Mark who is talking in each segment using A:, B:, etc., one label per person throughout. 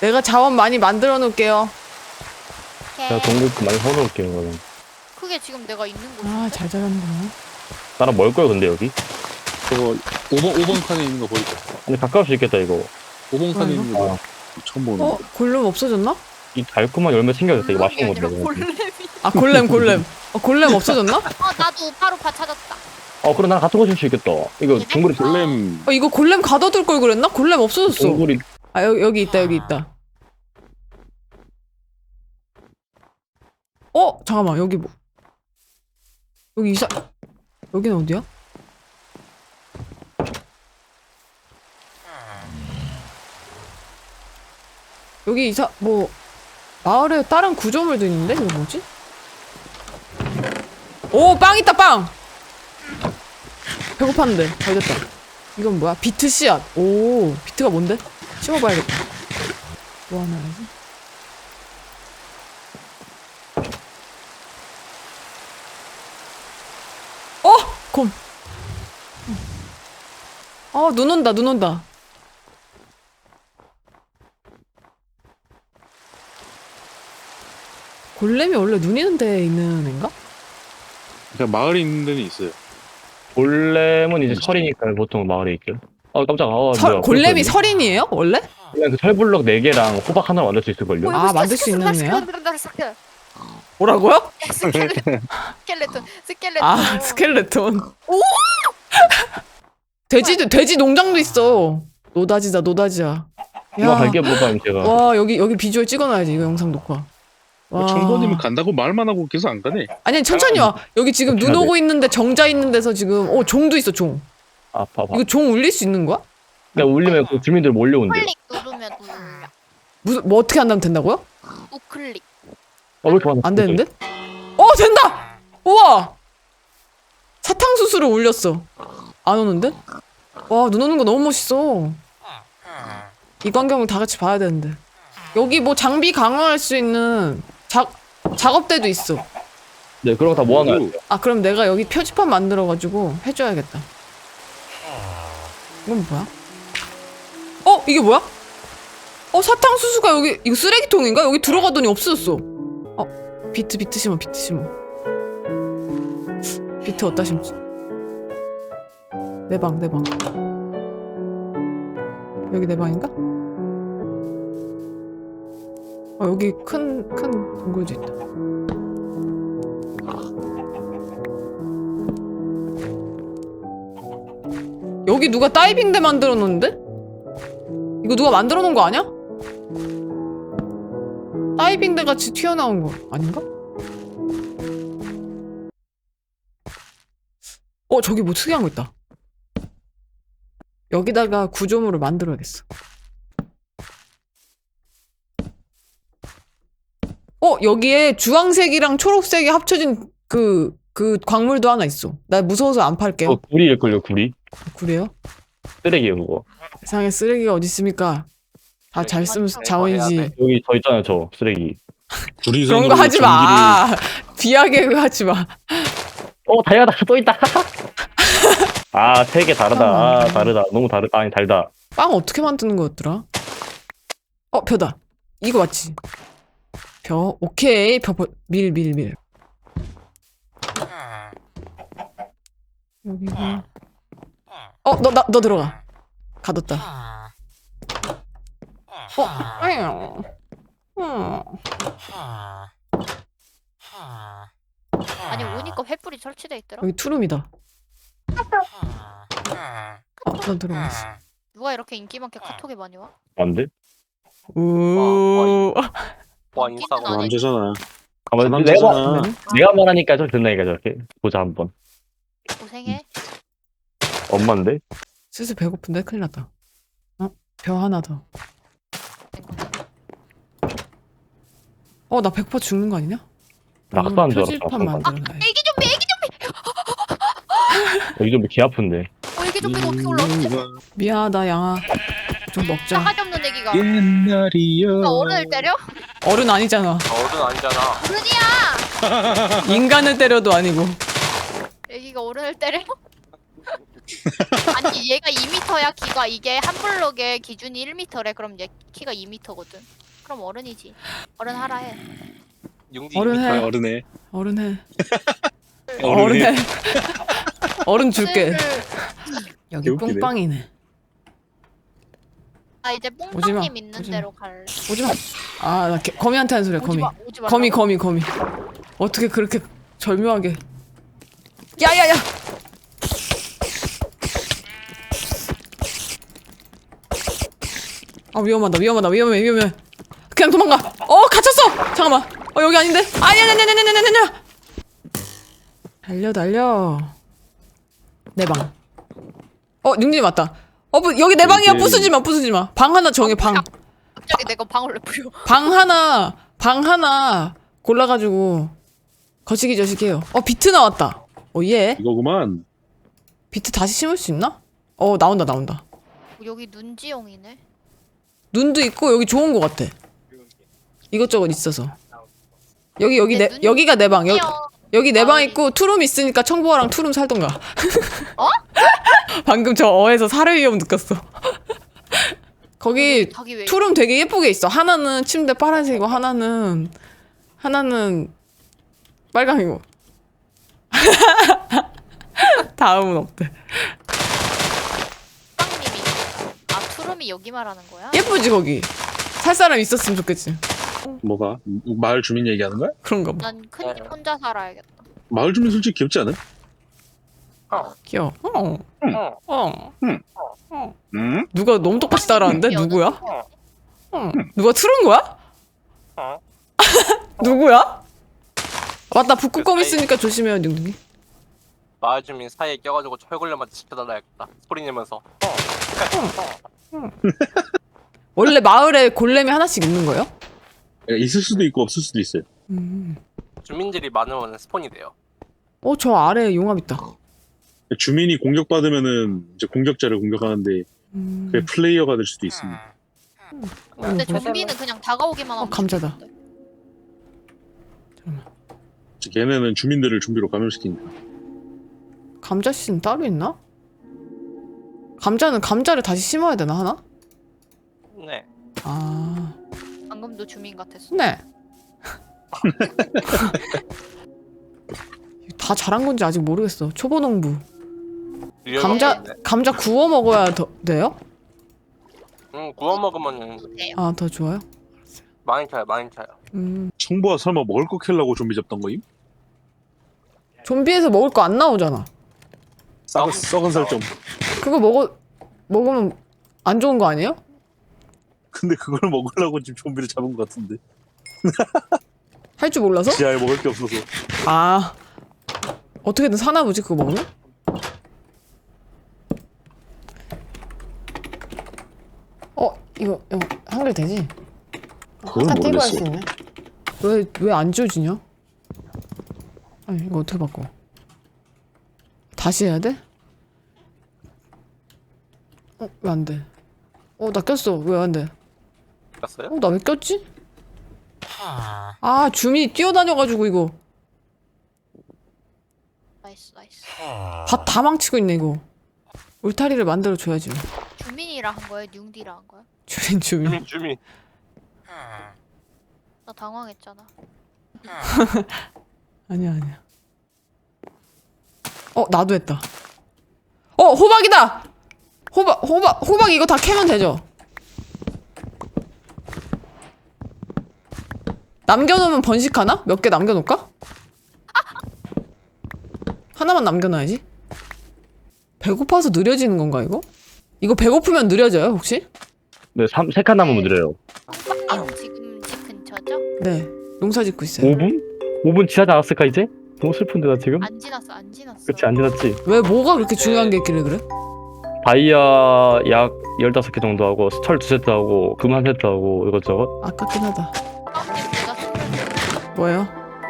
A: 내가 자원 많이 만들어 놓을게요.
B: 제가 동굴 많이 사놓을게요, 그러면.
C: 그게 지금 내가 있는 곳인데?
A: 아, 잘 자랐네.
B: 나랑 멀 거야, 근데 여기?
D: 저거 5번 칸에 있는 거 보이죠?
B: 근데 가까울 수 있겠다, 이거.
D: 5번 칸에 있는 거 처음 보는 거.
A: 골렘 없어졌나?
B: 이 달콤한 열매 챙겨졌다, 이거 맛있는
C: 아니라
B: 건데.
C: 골렘이.
A: 아, 골렘. 골렘 없어졌나?
C: 나도 바로파 찾았다.
B: 그럼 나랑 같은 거 줄 수 있겠다. 이거 동굴이,
D: 골렘
A: 이거 골렘 가둬둘 걸 그랬나? 골렘 없어졌어.
B: 동굴이,
A: 아, 여기 있다. 잠깐만, 여기 뭐. 여기 여기는 어디야? 여기 마을에 다른 구조물도 있는데? 이거 뭐지? 오, 빵 있다, 빵! 배고팠는데. 잘 됐다. 이건 뭐야? 비트 씨앗. 오, 비트가 뭔데? 심어봐야겠다. 뭐 하나 해야지? 곰. 눈 온다. 골렘이 원래 눈 있는 데에 있는 애인가?
D: 그냥 마을에 있는 데는 있어요.
B: 골렘은 이제 철이니까 보통 마을에 있죠. 깜짝아. 뭐야.
A: 골렘이 설인이에요? 원래?
B: 그냥 그 철블럭 4개랑 호박 하나 만들 수 있을걸요?
A: 아, 만들 수 있는 애야?
C: 스켈레톤.
A: 뭐라고요?
C: 스켈레톤.
A: 아, 스켈레톤. 돼지 농장도 있어. 노다지야.
B: 이거 갈게 볼까요, 제가.
A: 와, 여기 비주얼 찍어놔야지, 이거 영상 녹화. 와.
D: 청소님은 간다고 말만 하고 계속 안 가네.
A: 아니, 천천히 와. 여기 지금 눈 오고 있는데 정자 있는 데서 지금, 종도 있어, 종.
B: 봐봐.
A: 이거 종 울릴 수 있는 거야?
B: 그냥 울리면 그 주민들 몰려온대요.
C: 클릭 누르면 울려.
A: 뭐 어떻게 한다면 된다고요?
C: 우클릭.
B: 왜 이렇게 많아?
A: 안 되는데? 된다! 우와! 사탕수수를 울렸어. 안 오는데? 와, 눈 오는 거 너무 멋있어. 이 광경을 다 같이 봐야 되는데. 여기 뭐 장비 강화할 수 있는 작업대도 있어.
B: 네, 그런 거 다 모아놔야 돼요.
A: 아, 그럼 내가 여기 표지판 만들어가지고 해줘야겠다. 이건 뭐야? 이게 뭐야? 사탕수수가 여기, 이거 쓰레기통인가? 여기 들어가더니 없어졌어. 비트 심어. 비트 어디다 심지? 내 방. 여기 내 방인가? 여기 큰 동굴도 있다. 여기 누가 다이빙대 만들어 놓는데? 이거 누가 만들어 놓은 거 아니야? 다이빙대 같이 튀어나온 거 아닌가? 저기 뭐 특이한 거 있다. 여기다가 구조물을 만들어야겠어. 여기에 주황색이랑 초록색이 합쳐진 그 광물도 하나 있어. 나 무서워서 안 팔게요.
B: 구리일걸요, 구리?
A: 그래요?
B: 쓰레기예요, 그거.
A: 세상에 쓰레기가 어디 있습니까? 다 잘 쓰면 자원이지.
B: 여기 저 있잖아요, 저 쓰레기.
A: 그런 거 하지 마. 비하게 그거 하지 마.
B: 다이아다, 또 있다. 3개 다르다. 다르다. 너무 다르다. 아니, 달다.
A: 빵 어떻게 만드는 거였더라? 벼다. 이거 맞지? 벼. 오케이. 밀. 여기가. 너 들어가. 가뒀다.
C: 아니 오니까 횃불이 설치돼 있더라.
A: 여기 투룸이다. 난 들어갔어.
C: 누가 이렇게 인기 많게 카톡에 많이 와?
B: 안 돼?
A: 우.
E: 와 인싸고
C: 아니,
D: 남자잖아.
B: 내가,
A: 네.
B: 내가 말하니까 좀 된다니까, 저렇게. 보자, 한번.
C: 고생해.
B: 엄마인데?
A: 슬슬 배고픈데 큰일 났다. 벼 하나 더. 나 100% 죽는 거 아니냐?
B: 낙서한 줄 알았어.
A: 표지판 만들어놔.
C: 애기 좀비.
B: 여기 좀 개 아픈데.
C: 애기 좀비가 어떻게 올라왔지?
A: 미안하다 양아. 좀 먹자.
C: 싸가지 없는 애기가.
D: 옛날이요.
C: 어른을 때려?
A: 어른 아니잖아.
E: 어른 아니잖아.
C: 어른이야.
A: 인간을 때려도 아니고.
C: 애기가 어른을 때려? 아니 얘가 2m야 키가. 이게 한 블록에 기준이 1m래. 그럼 얘 키가 2m거든. 그럼 어른이지. 어른 하라 해.
E: 융지
A: 어른 해.
D: 아, 어른해.
A: 어른 해.
D: 어른해.
A: 어른 해. 어른 줄게. 여기
D: 개웃기네.
A: 뿡빵이네.
C: 아 이제
A: 오지 마,
C: 뽕빵님 있는
A: 오지 마.
C: 대로 갈래.
A: 오지 마. 아, 나 거미한테 하는 소리야, 거미.
C: 오지 마.
A: 거미. 어떻게 그렇게 절묘하게. 야야야! 아, 위험해. 그냥 도망가. 갇혔어! 잠깐만. 여기 아닌데? 아니야. 달려. 내 방. 능진이 맞다. 여기 내 방이야. 부수지 마. 방 하나 정해, 방.
C: 갑자기 내가 방울 왜 부려?
A: 방 하나 골라가지고 거시기 저시기해요. 비트 나왔다. 예.
D: 이거구만.
A: 비트 다시 심을 수 있나? 나온다.
C: 여기 눈지용이네.
A: 눈도 있고 여기 좋은 거 같아. 이것저것 있어서. 여기
C: 내 눈이
A: 여기가 내 방. 여기 내 방
C: 마을이.
A: 있고 투룸 있으니까 청보아랑 투룸 살던가.
C: 어?
A: 방금 저 어에서 살해 위험 느꼈어. 거기
C: 자기 왜?
A: 투룸 되게 예쁘게 있어. 하나는 침대 파란색이고 하나는 빨강이고. 다음은 없대.
C: 빵님이. 아 투룸이 여기 말하는 거야?
A: 예쁘지 거기. 살 사람 있었으면 좋겠지.
D: 뭐가? 마을 주민 얘기하는 거야?
A: 그런가 봐.
C: 난 큰 집 혼자 살아야겠다.
D: 마을 주민 솔직히 귀엽지 않아?
A: 귀여워.
D: 응?
A: 누가 너무 똑같이 따라하는데?
C: 귀여워.
A: 누구야? 누가 틀은 거야? 누구야? 맞다. 북극곰 있으니까 조심해요, 닝닝이.
E: 마을 주민 사이에 껴가지고 철골렘한테 지켜달라야겠다. 소리 내면서.
A: 원래 마을에 골렘이 하나씩 있는 거예요?
D: 있을 수도 있고 없을 수도 있어요.
E: 주민들이 많으면 스폰이 돼요.
A: 저 아래에 용암 있다.
D: 주민이 공격받으면은 이제 공격자를 공격하는데 그게 플레이어가 될 수도 있습니다.
C: 근데 좀비는 그냥 다가오기만 하면
A: 감자다.
C: 죽는데.
D: 걔네는 주민들을 좀비로 감염시키니까.
A: 감자씨는 따로 있나? 감자를 다시 심어야 되나 하나?
E: 네.
A: 아,
C: 방금도 주민 같았어.
A: 네. 다 잘한 건지 아직 모르겠어. 초보 농부. 감자 구워 먹어야 돼요?
E: 구워 먹으면
C: 돼요.
A: 아, 더 좋아요?
E: 많이 차요.
D: 청보아 설마 먹을 거 캘려고 좀비 잡던 거임?
A: 좀비에서 먹을 거 안 나오잖아.
D: 썩은 살점.
A: 그거 먹으면 안 좋은 거 아니에요?
D: 근데 그걸 먹으려고 지금 좀비를 잡은 것 같은데.
A: 할 줄 몰라서?
D: 지하에 먹을 게 없어서.
A: 아, 어떻게든 사나 보지 그거 먹으면? 이거 한글 되지?
D: 그건
A: 다 띄고 할 수
D: 모르겠어.
A: 있네. 왜 안 지워지냐? 아니 이거 어떻게 바꿔? 다시 해야 돼? 왜 안 돼? 나 꼈어. 왜 안 돼?
E: 봤어요?
A: 나 왜 꼈지? 아, 주민이 뛰어다녀가지고 이거
C: 나이스.
A: 밭 다 망치고 있네 이거. 울타리를 만들어 줘야지.
C: 주민이라 한 거야? 뉴디라 한 거야?
A: 주민.
E: 주민.
C: 나 당황했잖아.
A: 아니야. 나도 했다. 호박이다. 호박 이거 다 캐면 되죠? 남겨놓으면 번식하나? 몇 개 남겨놓을까? 하나만 남겨놔야지. 배고파서 느려지는 건가 이거? 이거 배고프면 느려져요 혹시?
B: 네, 3칸 남으면 느려요.
C: 뽕빵님 지금 집 근처죠?
A: 네. 농사 짓고 있어요.
B: 5분? 5분 지나지 않았을까 이제? 너무 슬픈데 나 지금?
C: 안 지났어.
B: 그치 안 지났지?
A: 왜 뭐가 그렇게 중요한 게 있길래 그래?
B: 다이아 약 15개 정도 하고 철 2세트 하고 금 1세트 하고 이것저것.
A: 아깝긴 하다.
C: 뽕빵님 내가 선물
A: 뭐예요?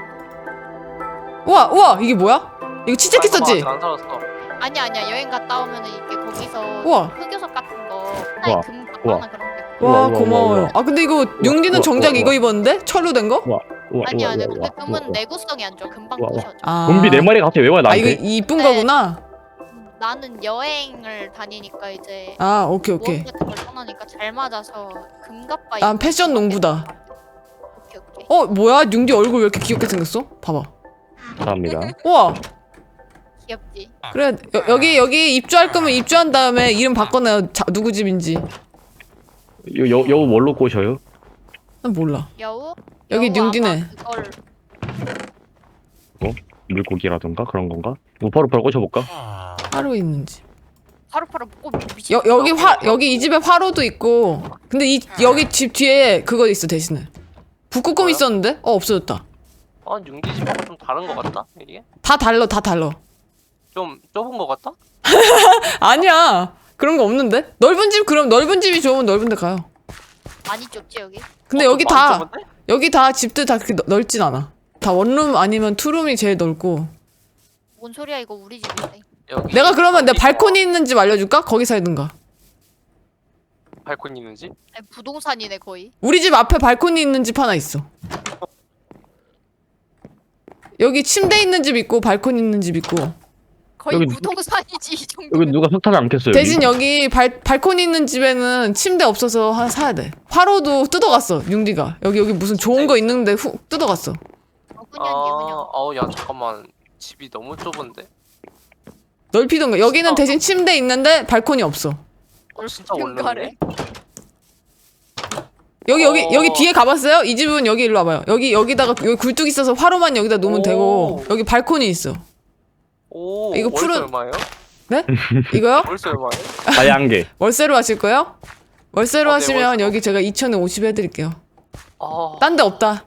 A: 우와 이게 뭐야? 이거 치즈키 썼지?
E: 안 살았어.
C: 아니야 여행 갔다 오면은 이게 거기서
A: 우와.
C: 흑요석 같은 거 하나에
B: 우와.
C: 금
B: 우와.
C: 하나 그런 게 있고.
A: 와
B: 우와, 우와,
A: 고마워요.
B: 우와.
A: 아 근데 이거 융디는
B: 우와,
A: 정작
B: 우와,
A: 이거
B: 우와.
A: 입었는데? 철로 된 거?
B: 우와,
C: 아니야 근데
B: 우와,
C: 금은
B: 우와.
C: 내구성이 안 좋아. 금방
B: 우와, 우와.
C: 부셔져.
A: 아.
B: 좀비 4마리가 갑자기 왜 와
A: 아 이거
B: 나한테?
A: 이쁜
C: 네.
A: 거구나.
C: 나는 여행을 다니니까 이제
A: 아 오케이
C: 모험
A: 오케이.
C: 같은 걸 떠나니까 잘 맞아서 금갑바
A: 난
C: 입고
A: 패션 농부다.
C: 오케이 오케이.
A: 어 뭐야? 융디 얼굴 왜 이렇게 귀엽게 생겼어? 봐봐.
B: 감사합니다.
A: 우와.
C: 귀엽지.
A: 그래 여기 입주할 거면 입주한 다음에 이름 바꿔놔요. 누구 집인지.
B: 여우 뭘로 꼬셔요?
A: 난 몰라.
C: 여우?
A: 여기
C: 여우
A: 융디네.
C: 아마 그걸
B: 물고기라던가 그런 건가? 우파루파로 꼬셔볼까?
A: 화로 있는지.
C: 바로바로 먹고 미친.
A: 여기 이 집에 화로도 있고. 근데 여기 집 뒤에 그거 있어 대신에. 북극곰
E: 뭐야?
A: 있었는데? 없어졌다.
E: 융기 집하고 좀 다른 거 같다 이게?
A: 다 달라.
E: 좀 좁은 거 같다?
A: 아니야. 그런 거 없는데? 넓은 집 그럼 넓은 집이 좋으면 넓은 데 가요.
C: 많이 좁지 여기.
A: 근데
E: 좀
A: 여기
E: 많이
A: 다
E: 좁은데?
A: 여기 다 집들 다 그렇게 넓진 않아. 다 원룸 아니면 투룸이 제일 넓고.
C: 뭔 소리야 이거 우리 집인데.
E: 여기
A: 내가 그러면 내
E: 어디
A: 발코니 있는 집 알려줄까? 거기 살든가.
E: 발코니 있는 집?
C: 아니, 부동산이네 거의.
A: 우리 집 앞에 발코니 있는 집 하나 있어. 여기 침대 있는 집 있고 발코니 있는 집 있고.
C: 거의
B: 여기
C: 부동산이지 이 정도.
B: 여기 누가 석탄을 안 켰어요?
A: 대신 여기 발코니 있는 집에는 침대 없어서 하나 사야 돼. 화로도 뜯어갔어. 융디가. 여기 무슨 좋은 거 있는데 훅 뜯어갔어.
C: 훈연이
E: 야 잠깐만 집이 너무 좁은데?
A: 넓히던가. 여기는 대신 침대 있는데 발코니 없어.
E: 진짜
C: 원룸이네.
A: 여기 뒤에 가봤어요? 이 집은 여기 일로 와봐요. 여기다가 여기 굴뚝 있어서 화로만 여기다 놓으면
E: 오.
A: 되고 여기 발코니 있어.
E: 오
A: 이거
E: 월세
A: 푸른-
E: 얼마예요?
A: 네? 이거요?
E: 월세 얼마예요?
B: 다양계.
A: 월세로 하실 거예요? 월세로
E: 네,
A: 하시면
E: 월세.
A: 여기 제가 2,050 해드릴게요.
E: 아
A: 딴 데 없다.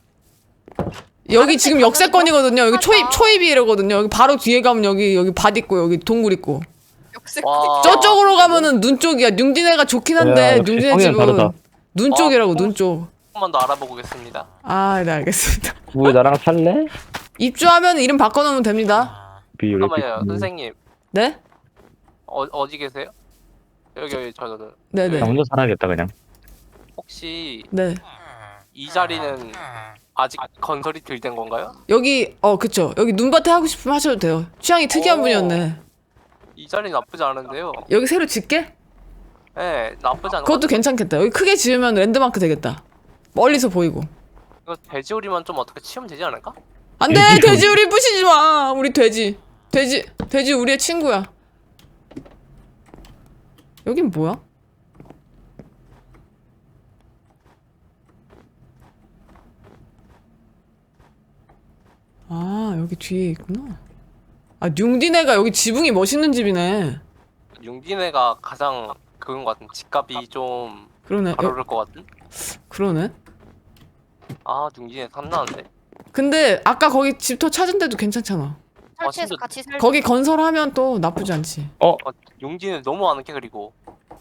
A: 여기 지금 역세권이거든요. 여기 초입이라거든요. 여기 바로 뒤에 가면 여기 밭 있고 여기 동굴 있고.
E: 와.
A: 저쪽으로 가면은 눈 쪽이야. 융디네가 좋긴 한데
B: 야, 역시
A: 융디네
B: 성향
A: 집은
B: 다르다.
A: 눈 쪽이라고 눈 쪽.
E: 조금만 더 알아보겠습니다.
A: 아, 네 알겠습니다.
B: 왜 나랑 살래?
A: 입주하면 이름 바꿔놓으면 됩니다.
E: 잠깐만요 선생님
A: 네?
E: 어디 계세요? 여기 저는
A: 네네.
B: 나 혼자 살아야겠다 그냥.
E: 혹시
A: 네.
E: 이 자리는 아직 건설이 덜 된 건가요?
A: 여기 그쵸. 여기 눈밭에 하고 싶으면 하셔도 돼요. 취향이 특이한
E: 오.
A: 분이었네.
E: 이 자리 나쁘지 않은데요.
A: 여기 새로 짓게?
E: 네 나쁘지 않은 것
A: 그것도 괜찮겠다. 여기 크게 지으면 랜드마크 되겠다. 멀리서 보이고.
E: 이거 돼지우리만 좀 어떻게 치우면 되지 않을까?
A: 안돼 돼지 우리 부시지 마. 우리 돼지 우리의 친구야. 여긴 뭐야? 아 여기 뒤에 있구나. 아 융디네가 여기 지붕이 멋있는 집이네.
E: 융기네가 가장 그건 것 같은 집값이 좀
A: 그러네.
E: 잘 오를 것 같은?
A: 그러네.
E: 아 융기네 탐나는데?
A: 근데 아까 거기 집터 찾은 데도 괜찮잖아.
C: 설치해서
E: 진짜-
C: 같이 살.
A: 거기 건설하면 또 나쁘지 않지.
E: 융기네 너무 안 게 그리고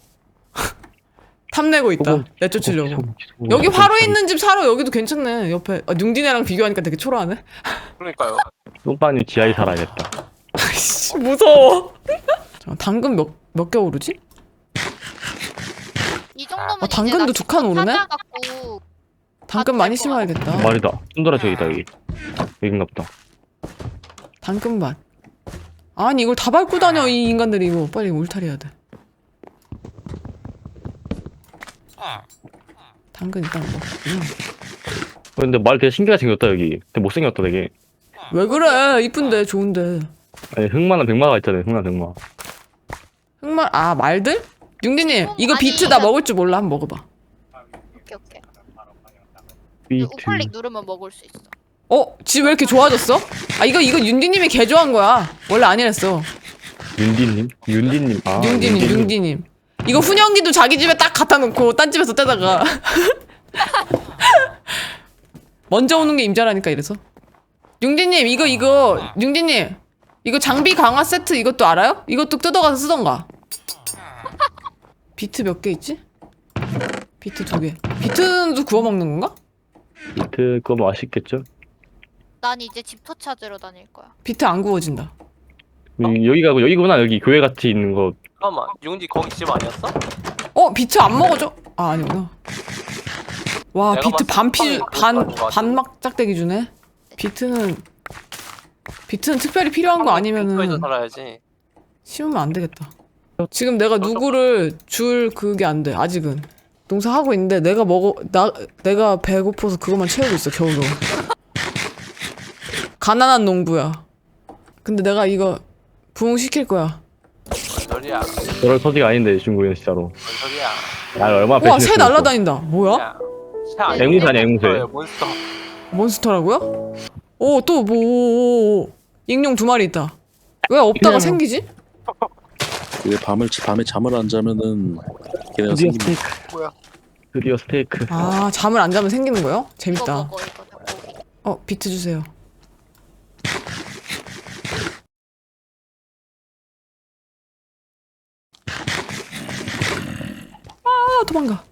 A: 탐내고 있다.
B: 그거-
A: 내쫓으려고. 여기 화로 있는 집 사러 여기도 괜찮네. 옆에 융디네랑 비교하니까 되게 초라하네.
E: 그러니까요.
B: 똥빠님 지하에 살아야겠다.
A: 아이씨 무서워. 잠깐, 당근 몇 개 오르지?
C: 이 정도면
A: 아, 당근도 두 칸 오르네?
C: 찾아갖고
A: 당근 많이
C: 될 것 같아.
A: 심어야겠다.
B: 말이다. 순돌아 저기다 여기. 여긴가 보다.
A: 당근밭. 아니 이걸 다 밟고 다녀 이 인간들이. 이거 빨리 울타리해야 돼. 당근 일단 먹고.
B: 근데 말 되게 신기하게 생겼다 여기. 되게 못생겼다 되게.
A: 왜 그래? 이쁜데 좋은데.
B: 아니 흑마나 백마가 있잖아요. 흑마 백마.
A: 흑말 말들? 융디님 이거
C: 아니,
A: 비트 나
C: 이거-
A: 먹을 줄 몰라. 한번 먹어봐.
C: 오케이.
B: 비트.
C: 우클릭 누르면 먹을 수 있어.
A: 집 왜 이렇게 좋아졌어? 아 이거 윤디님이 개조한 거야. 원래 아니랬어.
B: 윤디님? 윤디님. 아,
A: 융디님. 이거 훈연기도 자기 집에 딱 갖다 놓고 딴 집에서 떼다가 먼저 오는 게 임자라니까 이래서. 융디님 융디님 이거 장비 강화 세트 이것도 알아요? 이것도 뜯어가서 쓰던가. 비트 몇 개 있지? 비트 2개. 비트도 구워 먹는 건가?
B: 비트 그거 맛있겠죠?
C: 난 이제 집터 찾으러 다닐 거야.
A: 비트 안 구워진다.
B: 여기구나 여기 교회 같이 있는 거.
E: 잠깐만 융지 거기 집 아니었어?
A: 비트 안 먹어줘? 아 아니구나. 와
E: 내가
A: 비트
E: 봤을 때
A: 반막 짝대기 주네. 비트는 특별히 필요한 거
E: 근처에서
A: 아니면은
E: 살아야지.
A: 심으면 안 되겠다. 지금 내가 누구를 줄 그게 안 돼. 아직은. 농사하고 있는데 내가 배고파서 그것만 채우고 있어 겨우겨우. 가난한 농부야. 근데 내가 이거 부흥시킬 거야.
E: 뭔 소리야?
B: 그럴 소지가 아닌데 중국인 진짜로.
E: 뭔 소리야?
B: 날 얼마나
A: 우와
B: 배신했어.
A: 새 날라다닌다. 뭐야?
E: 야, 새 아니야?
B: 앵무새 아니야, 앵무새.
E: 몬스터.
A: 몬스터라고요? 오 또 뭐 익룡 2마리 있다. 왜 없다가
B: 그냥-
A: 생기지?
D: 이게 밤에 잠을 안 자면은 걔네가
B: 드디어
D: 생깁니다.
B: 스테이크.
E: 뭐야?
B: 드디어 스테이크.
A: 아 잠을 안 자면 생기는 거요?
C: 이거
A: 재밌다.
C: 먹어 이거 닭고기.
A: 비트 주세요. 아 도망가.